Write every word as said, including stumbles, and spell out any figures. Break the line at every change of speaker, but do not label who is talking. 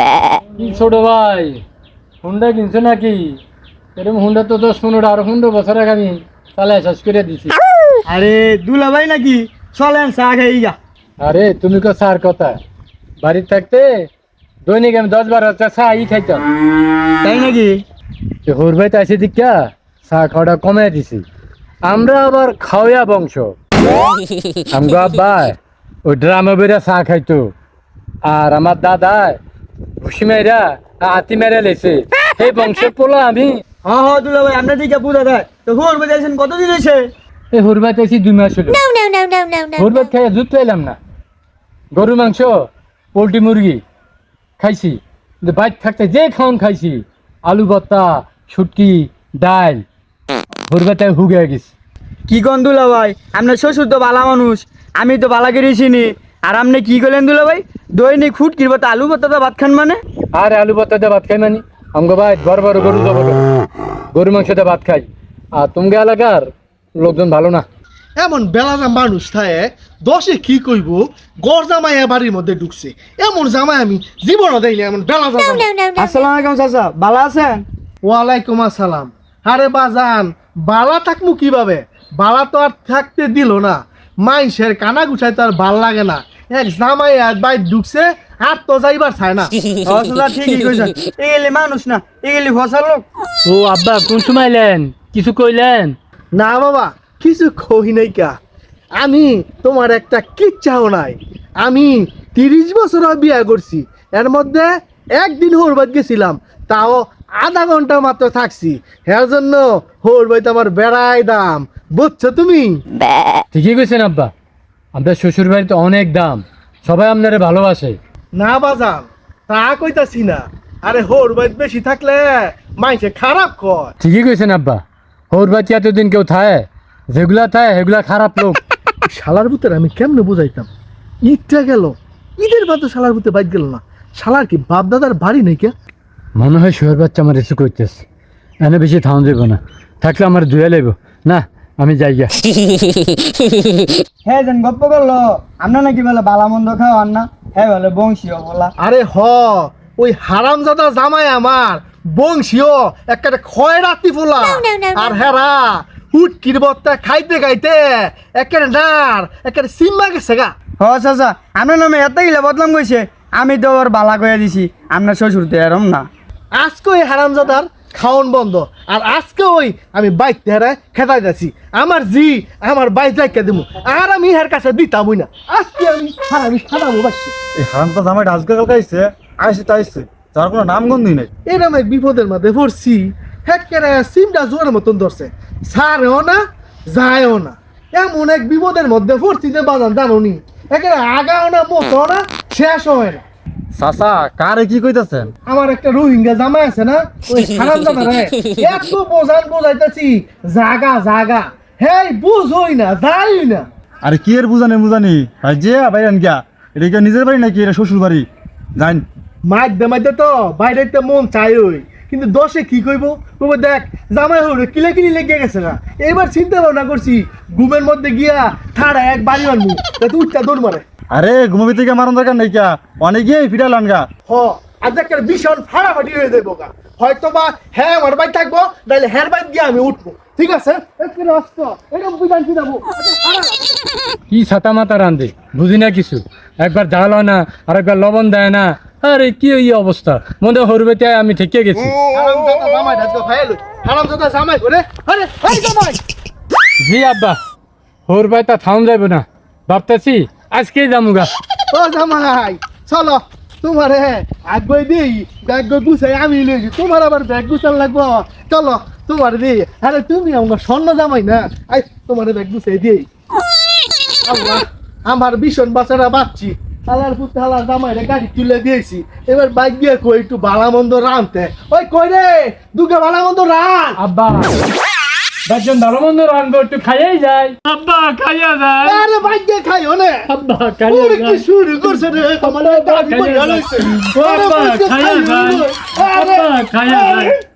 কি ছোট ভাই হুন্ডা কিনছো নাকি? এরকম হুন্ডা তো দশ পনেরো আরো পনেরো বছর আগে আমি চালাই শেষ করে দিছি।
আরে দুলা ভাই নাকি চলেন চা খাই গা।
আরে তুমি কো স্যার কথা বাড়িতে থাকতে দৈনিক আমি দশ বারো চা ই খাইতাম।
তাই নাকি?
হোর ভাই তো আসে দিকা চা খাওয়াটা কমে দিছি। আমরা আবার খাওয়া বংশ। আমগো আব্বা ওই ড্রামে বেড়া চা খাইতো আর আমার দাদা ভুসি মেয়েরা হাতি মেরে লেছে এই বংশের পোলা আমি।
হ্যাঁ হ্যাঁ দুলা ভাই আপনার দিকে বুঝা দেয় তো হোর বাজাইছেন কতদিন হয়েছে?
এই হুরবাত এসি দুই মাস হলো। হুরবাত খাইয়া দুধ পাইলাম না। গরু মাংস পোলট্রি মুরগি খাইছি কিন্তু বাইর থাকতে যে খাওন খাইছি আলু ভর্তা শুটকি ডাল হুরবাতে হুগে গেছি।
কি কন দুলা ভাই আপনার শ্বশুর তো বালা মানুষ, আমি তো বালা গেছিনি। আর আপনি কি করলেন দুলা ভাই? দৈনিক ফুট কিনবো তো আলু ভর্তা ভাত খান মানে?
আর আলু ভর্তা দিয়ে ভাত খাই মানি আমগো ভাই বড় বড় গরু জব গরু মাংস দিয়ে ভাত খাই। আর তুমি এলাকার লোকজন ভালো না।
এমন বেলাজা মানুষ থাকে দশে কি কইব গড় জামাই বাড়ির মধ্যে ঢুকছে এমন জামাই আমি জীবনও দেয়নি এমন বেলাজা জামাই।
আসসালামু আলাইকুম চাচা, ভালো আছেন?
ওয়ালাইকুম আসসালাম। আরে বাজান বালা থাকমু কিভাবে? বালা তো আর থাকতে দিল না, মাইসের কানা গুছাই তো আর ভাল লাগে না। এক জামাই আর বাইর ঢুকছে আর তো যাইবার চায় না।
ও চাচা ঠিকই কইছেন, এগুলি মানুষ না, এগুলি ফসল লোক।
ও আব্বা কোন সময় এলেন? কিছু কইলেন?
না বাবা কিছু কই নাই কা, আমি তোমার একটা কিচ্ছাও নাই। আমি তিরিশ বছর বিয়া করছি, এর মধ্যে একদিন হোরবাদ গেছিলাম, তাও আধা ঘন্টা মাত্র থাকছি। এর জন্য হোরবাদ আমার বেড়াই দাম, বুঝছো তুমি?
ঠিকই কইছেন আব্বা, আপনার শ্বশুর বাড়িতে অনেক দাম, সবাই আপনারে ভালোবাসে।
না বাজান তা কইতাছি না, আরে হোরবাদ বেশি থাকলে মাইসে খারাপ কয়।
ঠিকই কইছেন আব্বা, হোর বাড়িতে এতদিন কেউ থায়, যেগুলা থায় সেগুলা খারাপ লোক।
শালার ভূতের আমি কেমনে বুঝাইতাম? ঈদটা গেল, ঈদের বাদ শালার ভূতে বাইক গেল না। শালার কি বাপ দাদার বাড়ি নেই কে?
মনে হয় শুয়ার বাচ্চা আমার রিসু করতেছে, এনে বেশি থাউন যাবো না, থাকলে আমার ধুয়ে লেব না, আমি যাই গা।
হ্যাঁ যেন গপ্প করলো আপনার নাকি বলে বালা মন্দ খাওয়ান না, হ্যাঁ বলে বংশীয় বলা।
আরে হ ওই হারামজাদা জামাই আমার বংশীয় একটা ক্ষয় রাত্রি ফোলা। আর হেরা হুটকির বত্তা খাইতে খাইতে একের নার একের সিম্মা গেছে গা।
হ চাচা আপনার নামে এত গিলা বদলাম কইছে, আমি তো ওর বালা কইয়া দিছি, আপনার শ্বশুর তো এরম না।
আজকে ওই হারামজাদার খাওন বন্ধ, আর আজকে ওই আমি বাইক হেরায় খেতাই যাচ্ছি। আমার জি আমার বাইক রাখতে দেবো, আর আমি হের কাছে দিতামই না। আজকে আমি হারামি খারাপ বাসছি।
এই হারামটা জামাইটা আজকে কালকে আইছে আইসে তো আইসে, যার কোনো নামগন্ধই নেই।
এরম এক বিপদের মধ্যে পড়ছি, হেটকেরে সিমটা জোরের মতন ধরছে, ছাড়েও না যায়ও না। এমন এক বিপদের মধ্যে পড়ছি যে বাজান জানোনি, একেবারে আগাও না মোটাও না শেষও হয় না।
চাচা কারে কি কইতাছেন?
আমার একটা রোহিঙ্গা জামাই আছে না, ওই হারাম জামা রে এত বোঝান বোঝাইতেছি জাগা জাগা, হেই বুঝই না যাই না।
আরে কি এর বুঝানি বুঝানি ভাই যে বাইরেন গিয়া, এটা কি নিজের বাড়ি নাকি এটা শ্বশুর বাড়ি? যাইন
মাইতে মাইতে তো বাইরে মন চাই ওই, কিন্তু দশে কি কইব কইব দেখ জামাই হইল কিলে কিলি লেগে গেছে না। এবার চিন্তা ভাবনা করছি ঘুমের মধ্যে গিয়া ঠাড়া এক বাড়ি মারমু, তুই উঠটা দৌড় মারে।
আরে ঘুমাবি থেকে মারন দরকার নেই কিয়া, অনেক গিয়ে ফিরালান গা।
হ আজ একটা ভীষণ ফাড়াফাড়ি হয়ে যাবো গা, হয়তো বা হ্যাঁ আমার বাড়ি থাকবো নাহলে হ্যার বাড়ি গিয়ে আমি উঠবো, ঠিক আছে? একটু রাস্ত এরকম বুঝান কি যাবো।
কি ছাতা মাতা রান্ধে বুঝি না কিছু, একবার ঝাল হয় না আর একবার লবণ দেয় না। আরে কি এই অবস্থা, মনে হরবেতে আমি ঠেকে গেছি।
হারামজাদা জামাই ঢাকা ফাইল, হারামজাদা জামাই করে আরে হাই জামাই।
জি আব্বা, হোর ভাই তা থাউন যাইব না, ভাবতেছি আজকেই যামুগা।
ও জামাই চলো তোমার আগ্রহ দিই ব্যাগ গুছাই আমি লইছি, তোমার আবার ব্যাগ গুছান লাগবো। চলো তোমার দিই, আরে তুমি আমার স্বর্ণ জামাই না, আই তোমার ব্যাগ গুছাই দিই। আল্লাহ আমার ভীষণ বাচ্চারা বাচ্চি, হালার পুতে হালার জামাইরে গাড়ি তুলে দিয়েছি, এবার বাইক দিয়ে কই একটু ভালা মন্দ রানতে। ওই কই রে দুগে ভালা মন্দ রান।
আব্বা একজন ভালো মন্দ রানবো, একটু খাইয়াই যায়। আব্বা খাইয়া যায়।
আরে বাইক দিয়ে খাই হনে
আব্বা খাইয়া
ওরে কি
যায়।
শুরু করছে রে, আমার গাড়ি বইয়া লইছে।
আব্বা খাইয়া যায়। আব্বা খাইয়া যায়।